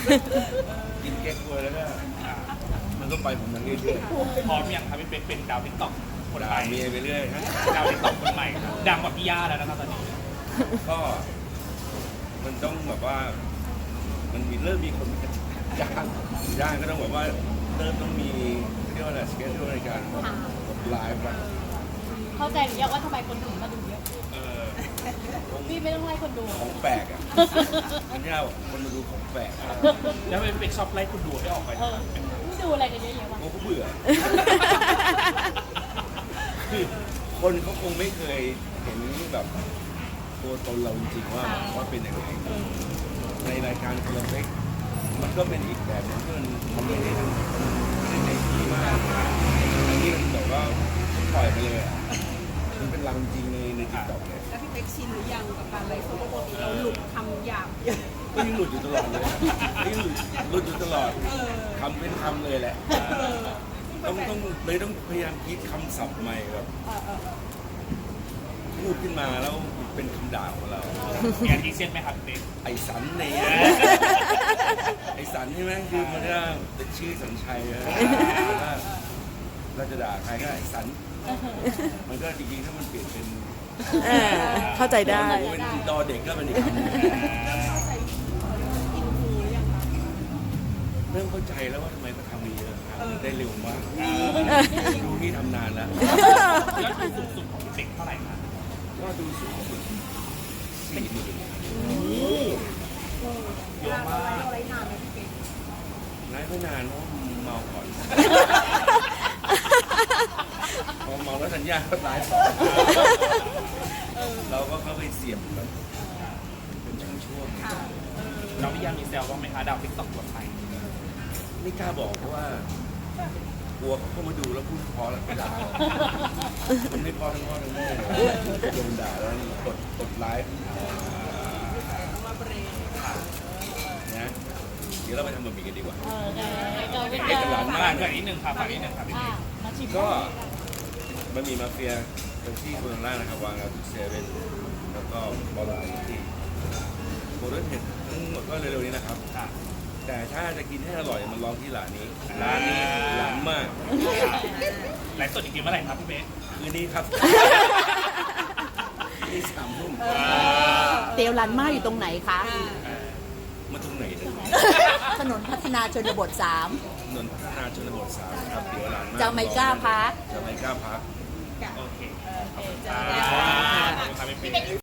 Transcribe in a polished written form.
กินเก๊กฮวยแล้วก็มันก็ไปของมันเรื่อยพร้อมยังครับพี่เป๊กเป็นดาวติ๊กต็อกคนๆด่าใหม่เมียไปเรื่อยฮะดาวติ๊กต็อกคนใหม่ครับดังกว่าพี่ย่าแล้วนะครับตอนนี้ก็มันต้องแบบว่ามันเริ่มมีคนจ้างก็ต้องแบบว่าเริ่มต้องมีเรียกว่าอะไรสเกจในการแบบไลฟ์อะเข้าใจหรือยังว่าทำไมคนถึงมาดูเยอะเออพี่ไม่ต้องไล่คนดูของแปลกอ่ะมันยากคนมาดูของแปลกอะแล้วพี่เป๊กชอบไล่คุณดูให้ออกไปเออดูอะไรกันเยอะๆวะโอ้ก็เบื่อคือคนเขาคงไม่เคยเห็นแบบตัวตนเราจริงๆว่าเป็นยังไงในรายการคนละเล็กมันก็เป็นอีกแบบหนึงที่มันทำได้ในที่มากอันนี้มันแบบว่าปล่อยไปเลยอ่ะมันเป็นรังจริงในติ๊กต็อกเลยแล้วพี่เป๊กชินหรือยังกับการไลฟ์โซเชียลปกติเราหลุดคำหยาบเยอะก็ยังหลุดอยู่ตลอดเลยนี่หลุดอยู่ตลอดคำเป็นคำเลยแหละต้องพยายามคิดคำศัพท์ใหม่แบบพูดขึ้นมาแล้วเป็นคำด่าของเรามีอันที่เช่นไหมครับพี่เป๊กไอสันเนี่ยไอสันใช่ไหมคือมันก็เป็นชื่อสัญชัยนะเราจะด่าใครก็ไอสันมันก็จริงๆถ้ามันเปลี่ยนเป็นเข้าใจได้เป็นดอเด็กก็เป็นอีกคำหนึ่งเข้าใจอินฟูหรือยังคะเริ่มเข้าใจแล้วว่าทำไมเขาทำมีเยอะครับได้เร็วมากดูที่ทำนานแล้วยอดวิวสูงสุดของพี่เป๊กเท่าไหร่ครับว่าดูสูงสุด40,000 เยอะมากเราไลฟ์นานไหมพี่เป๊กไลฟ์ไม่นานเพราะเมาก่อนพอเมาแล้วสัญญาก็ไลฟ์ต่อเราก็เข้าไปเสียบแบบเป็นช่วงๆเราพี่ย่ามีแซวบ้างไหมคะดาวติ๊กต็อกคนใหม่ไม่กล้าบอกเพราะว่ากลัวเขาเข้ามาดูแล้วพูดพอแล้วไม่ด่ามันไม่พอทั้งพ่อทั้งแม่จะโดนด่าแล้วกดไลฟ์มาเบรกนะเดี๋ยวเราไปทำบะหมี่กันดีกว่าเจอเป็นเอกลักษณ์ฝากนิดนึงครับฝากนิดนึงครับพี่เป๊กมาชิมก็บะหมี่มาเฟียเป็นที่คนล่างนะครับวางกับเซเว่นแล้วก็บอลลายที่โมเดิร์นเห็ดทั้งหมดก็เร็วๆนี้นะครับค่ะแต่ถ้าจะกินให้อร่อยมันลองที่ร้านนี้ล้ำมากไลฟ์สดอีกทีเมื่อไหร่ครับพี่เป๊กคืนนี้ครับนี่3 ทุ่มเตียวรันมาอยู่ตรงไหนคะมาตรงไหนเนี่ยถนนพัฒนาชนบทถนนพัฒนาชนบท3ครับเดี๋ยวร้าน 3จะไม่กล้าพักจะไม่กล้าพักโอเคโอเคขอบคุณครับพี่เป๊ก